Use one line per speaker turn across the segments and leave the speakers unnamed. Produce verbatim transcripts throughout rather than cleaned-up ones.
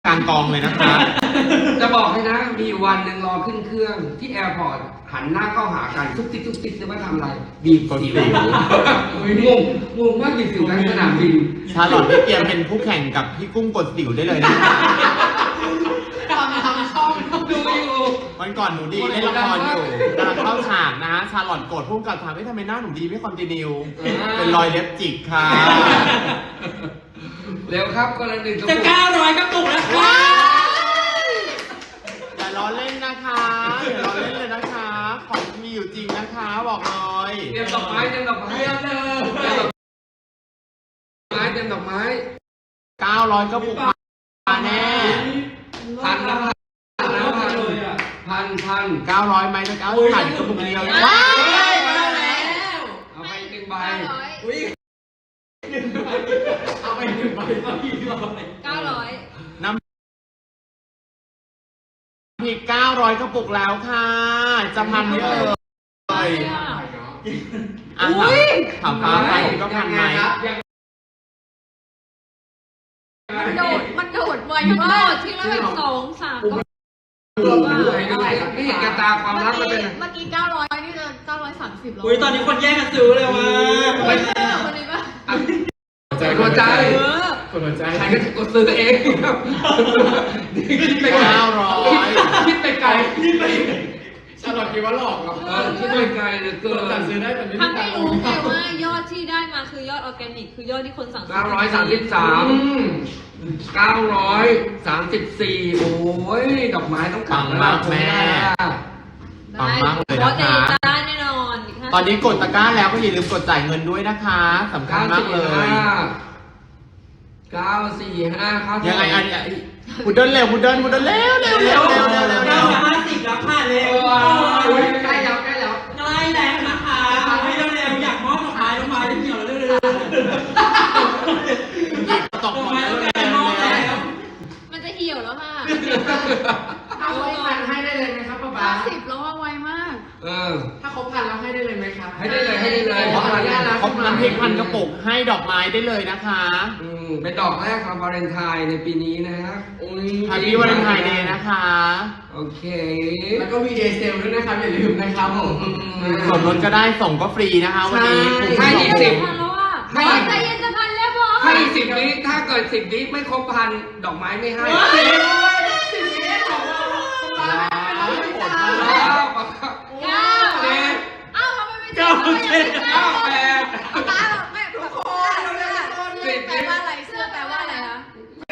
กลางกองเลยนะคะ
จะบอกให้นะมีวันหนึ่งรอขึ้นเครื่องที่แอร์พอร์ตหันหน้าเข้าหากันทุกติ๊กทุกติ๊กจะมาทำอะไรบีบสิวงงงงมากบีบสิวในสนามบิน
ชาลอตพี่เกียร์เป็นผู้แข่งกับพี่กุ้งกดสิวได้เลยนะ
ทำทำช่อง
ดูอยู่
วันก่อนหนูดีเล่นละครอยู่กำลังเข้าฉากนะชาลอตกดพุ่งกับถามว่าทำไมหน้าหนูดีไม่คอนติเนียเป็นรอยเล็บจิกค่ะ
เร็วครับคนละหนึ่ง
จะเก้าร้อยกระปุกแล้วค่ะ
อย่าล้อเล่นนะคะอย่าล้อเล่นเลยนะคะของมีอยู่จริงนะคะบอกเลย
เตรียมดอกไม้เตรียมดอกไม้เตรียมเลยเตรียมดอกไม้เตรียมดอกไม้
เก้าร้อยกระปุกมาแน่
พันแล้วพันแล้วพันพันพัน
เก้าร้อยไหมนะเก้าพันกระปุกเดียว
ว้าวมาแล้ว
เอาไปหนึ่งใบ
เอาไปหนึ่งใบเก้าร้อย
เก้าร้อย
น้ำพริกเก้าร้อยกระปุกแล้วค่ะจะพันเยอะเลยอ่ะถามถามไปก็พันไหม
มันโดดมันโดดไวมากทีละแบบสองสามก็
ไม่เห็นกระตาความรักมันเป็น
เมื่อกี้เก้าร้อยนี่จะเก้าร้อยสามสิบแล้ว
อุ้ยตอนนี้คนแย่งกันซื้อเลยว่ะ
คนนี้ป่ะ
หัวใจ
คนหัวใจ
ใครก็จะกดซื้อเอง
คิดไปเก้าร้อย
คิดไปไกลคิดไป
ชาลอตคิดว่าหลอกเหรอ
คิดไปไกลเลยเกิน
สั่งซื้อได้แต่ไม่
ถ้าไม่รู้ไงว่ายอดที่ได้มาคือยอดออร์แกนิกคือยอดที่คนสั่งซื้อ
เก้าร้อยสามสิบสามเก้าร้อยสามสิบสี่โอ้ยดอกไม้ต้อง
ปังมากแม่ปังมากเลยนะคะ
ได้แน่นอน
ตอนนี้กดตะกร้าแล้วก็อย่าลืมกดจ่ายเงินด้วยนะคะสำคัญมากเลย
เก้าสี่ห้าครับ
ยังไงอันนี้พุดเดิ้ลเร็วพุดเดิ้ลพุดเดิ้ลเร็วเร็วเร็วเร็วเร็วเร็วเร็ว
ห้าสิบแล้วค่ะเร็ว
ใกล้แล้วใกล้แล้ว
ใกล้แล้วนะคะให้เร็วๆอยากมอบดอกไม้ดอกไม้เกี่ยวเร็ว
ๆตกมาแล้ว
มันจะเหี่ยวแล้วค่ะ
ถ้าครบพันให้ได้เลยไหมครับป้าบ้า
สิบแล้วว่าไวมาก
เออ
ถ้าครบพันแล้วให้ได้เลยไหมครับ
ให้ได้เลยให้ได้เลย
ครบพันครบน้ำพริกพันกระปุกให้ดอกไม้ได้เลยนะคะ
อืมเป็นดอกแรกของวาเลนไทน์ในปีนี้นะฮะ
แฮปปี้วาเลนไทน์เดย์นะคะ
โอเค
แล้วก็มีเดย์เซลด้วยนะครับอย่าลืมนะครับผม
ส่งรถก็ได้ส่งก็ฟรีนะคะวันนี้
ให้อีกสิบ
ให้ใจเย็นจะพันแล้วพอ
ให้สิบนี้ถ้าเกิดสิบนี้ไม่ครบพันดอกไม้ไม่ให้
สิบนี้ของเรา
เก้าเจ็ดเอ้าทำไมไม่เจ็ด
เก้าแปด
ไม่ทุกคนเสื้อแปลว่าอะไรเสื้อแปลว่าอะไรคะ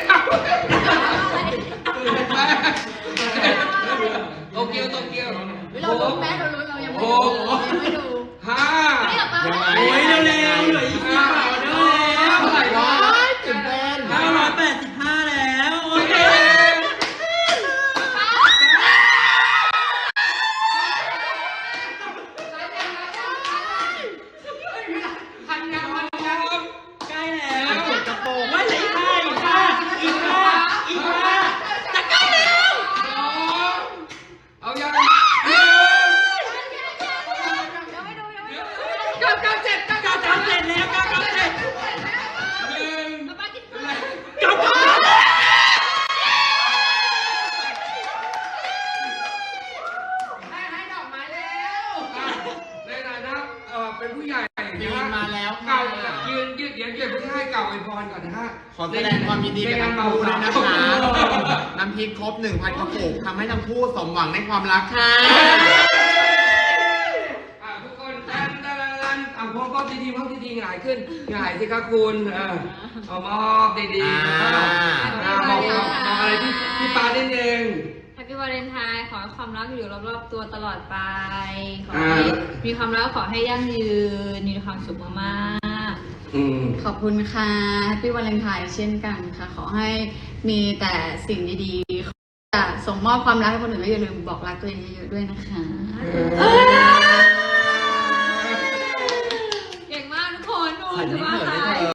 โตเกียวโตเกียว
เราลุ้นแม่เราลุ้นเรายังไม่ดูยังไม่ดู
ห้า
ยังไง
โอ้ยเร็วๆเหลืออีกสิบบาทเร็ว
เท่าไหร่วะ
ตื่นเต้น
เก้าร้อยแปดสิบห้าแล้วโอเค
พันยังพันยัง
ใกล้แล้วว่าเหลืออีกห้าอีกห้าอีกห้าอีกห้าจะใกล้แล้ว
เอายัง
เก้าเก้าเจ็ดเก้าเก้าเจ็ดแล้วเก้าเก้าเจ็ด
หนึ่ง
เก้าเก้า
ให้ให้ดอกไม้แล้วในฐานะเอ่อเป็นผู้ใหญ่
ยืนมาแล้ว
เก่ายืนยืนยืนยืนเพื่อให้เก่าอวยพรก่อนนะฮะ
ขอแสดงความยินดีกับทั้งคู่ด้วยนะคะน้ำพริกครบหนึ่งพันกระปุกทำให้ทั้งคู่สมหวังในความรักค่ะ
ทุกคนดันดันดันเอาพอพอดีๆพอดีๆหงายขึ้นหงายสิครับคุณเออเอามอบดีๆบอกบอกอะไรพี่พี่ปาเด่นเอง
แฮปปี้วาเลนไทน์ขอให้ความรักอยู่รอบๆตัวตลอดไปขอให้มีความรักขอให้ยั่งยืนมีความสุขมาก
ๆขอบคุณค่ะแฮปปี้วาเลนไทน์เช่นกันค่ะขอให้มีแต่สิ่งดีๆจะส่งมอบความรักให้คนอื่นแล้วอย่าลืมบอกรักตัวเองเยอะๆด้วยนะคะ
เก่งมากทุกคนดูถือว่า